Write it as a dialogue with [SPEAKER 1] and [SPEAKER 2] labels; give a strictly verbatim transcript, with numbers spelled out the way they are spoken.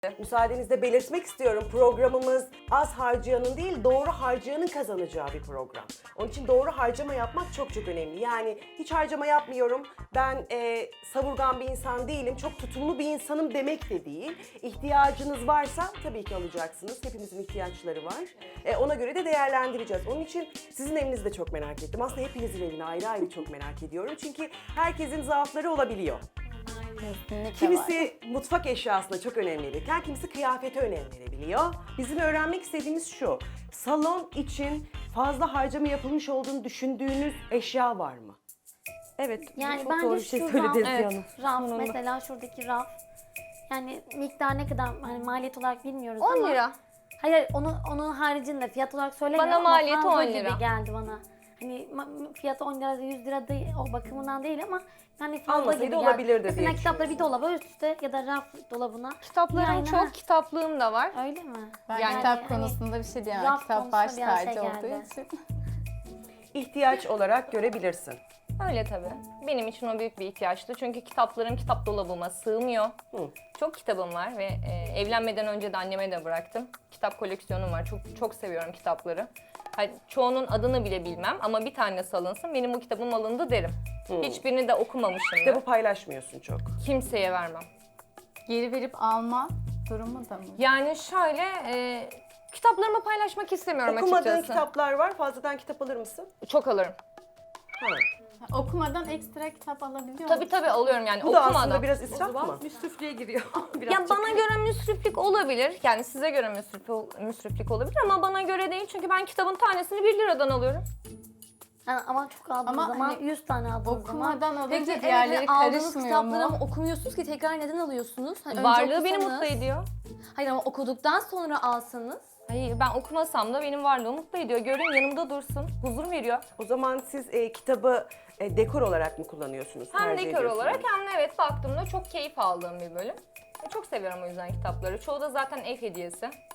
[SPEAKER 1] Müsaadenizle belirtmek istiyorum, programımız az harcayanın değil doğru harcayanın kazanacağı bir program. Onun için doğru harcama yapmak çok çok önemli. Yani hiç harcama yapmıyorum, ben e, savurgan bir insan değilim, çok tutumlu bir insanım demek de değil. İhtiyacınız varsa tabii ki alacaksınız. Hepimizin ihtiyaçları var. E, ona göre de değerlendireceğiz. Onun için sizin evinizi de çok merak ettim. Aslında hepinizin evini ayrı ayrı çok merak ediyorum. Çünkü herkesin zaafları olabiliyor.
[SPEAKER 2] Kesinlikle
[SPEAKER 1] Kimisi mutfak eşyasına çok önem verirken kimisi kıyafete önem verebiliyor. Bizim öğrenmek istediğimiz şu, salon için fazla harcama yapılmış olduğunu düşündüğünüz eşya var mı? Evet,
[SPEAKER 2] Yani
[SPEAKER 1] çok
[SPEAKER 2] bence
[SPEAKER 1] doğru bir şey
[SPEAKER 2] şu
[SPEAKER 1] söyledi
[SPEAKER 2] raf,
[SPEAKER 1] Ezgi Hanım.
[SPEAKER 2] raf mesela şuradaki raf. Yani miktar ne kadar hani maliyet olarak bilmiyoruz
[SPEAKER 3] on
[SPEAKER 2] ama.
[SPEAKER 3] lira.
[SPEAKER 2] Hayır onu onun haricinde fiyat olarak söylemiyorum
[SPEAKER 3] Bana
[SPEAKER 2] ama
[SPEAKER 3] maliyeti
[SPEAKER 2] fazla
[SPEAKER 3] on
[SPEAKER 2] gibi
[SPEAKER 3] lira.
[SPEAKER 2] geldi bana. Hani ma- fiyatı on lira yüz lira değil, o bakımından değil ama yani fazla
[SPEAKER 1] Almasaydı
[SPEAKER 2] gibi geldi.
[SPEAKER 1] olabilirdi
[SPEAKER 2] Mesela
[SPEAKER 1] diye
[SPEAKER 2] kitapları bir dolaba üst üste ya da raf dolabına.
[SPEAKER 3] Kitaplarım
[SPEAKER 2] Yani,
[SPEAKER 3] çok,
[SPEAKER 2] ha,
[SPEAKER 3] kitaplığım da var.
[SPEAKER 2] öyle mi?
[SPEAKER 4] Ben
[SPEAKER 3] Yani
[SPEAKER 4] kitap
[SPEAKER 2] hani
[SPEAKER 4] konusunda bir şey diyemem.
[SPEAKER 2] raf
[SPEAKER 4] Kitap baş
[SPEAKER 2] konusunda bir an şey
[SPEAKER 4] tacı olduğu
[SPEAKER 2] geldi.
[SPEAKER 4] için.
[SPEAKER 1] İhtiyaç olarak görebilirsin.
[SPEAKER 3] Öyle tabii. Benim için o büyük bir ihtiyaçtı. Çünkü kitaplarım kitap dolabıma sığmıyor.
[SPEAKER 1] Hı.
[SPEAKER 3] Çok kitabım var ve e, evlenmeden önce de anneme de bıraktım. Kitap koleksiyonum var. Çok çok seviyorum kitapları. Hani çoğunun adını bile bilmem ama bir tanesi alınsın. Benim bu kitabım alındı derim. Hiçbirini de okumamışım.
[SPEAKER 1] Kitabı paylaşmıyorsun çok.
[SPEAKER 3] Kimseye vermem.
[SPEAKER 4] Geri verip alma durumu da mı?
[SPEAKER 3] Yani şöyle e, kitaplarımı paylaşmak istemiyorum
[SPEAKER 1] Okumadığın
[SPEAKER 3] açıkçası.
[SPEAKER 1] kitaplar var, fazladan kitap alır mısın?
[SPEAKER 3] Çok alırım.
[SPEAKER 1] Ha.
[SPEAKER 4] Okumadan ekstra kitap alabiliyor
[SPEAKER 3] Tabii
[SPEAKER 4] musun?
[SPEAKER 3] tabii alıyorum yani
[SPEAKER 1] Bu da
[SPEAKER 3] okumadan.
[SPEAKER 1] aslında biraz israf mı?
[SPEAKER 5] Müsrifliğe giriyor.
[SPEAKER 3] Ya bana göre müsriflik olabilir. Yani size göre müsrif, müsriflik olabilir ama bana göre değil. Çünkü ben kitabın tanesini bir liradan alıyorum.
[SPEAKER 2] Yani ama çok aldığınız
[SPEAKER 4] Ama
[SPEAKER 2] zaman
[SPEAKER 4] hani
[SPEAKER 2] yüz tane aldığınız zaman.
[SPEAKER 4] Okumadan alınca
[SPEAKER 5] Peki evet,
[SPEAKER 4] diğerleri
[SPEAKER 5] aldığınız
[SPEAKER 4] karışmıyor
[SPEAKER 5] kitapları
[SPEAKER 4] mu?
[SPEAKER 5] ama okumuyorsunuz ki tekrar neden alıyorsunuz? Hani önce
[SPEAKER 3] Varlığı beni
[SPEAKER 5] okusanız-
[SPEAKER 3] mutlu ediyor.
[SPEAKER 5] Hayır ama okuduktan sonra alsanız.
[SPEAKER 3] Hayır ben okumasam da benim varlığı mutlu ediyor. Görün yanımda dursun. Huzur veriyor.
[SPEAKER 1] O zaman siz e, kitabı e, dekor olarak mı kullanıyorsunuz?
[SPEAKER 3] Hem
[SPEAKER 1] tercih
[SPEAKER 3] dekor
[SPEAKER 1] ediyorsunuz?
[SPEAKER 3] olarak hem de evet baktığımda çok keyif aldığım bir bölüm. E, Çok seviyorum o yüzden kitapları. Çoğu da zaten ev hediyesi.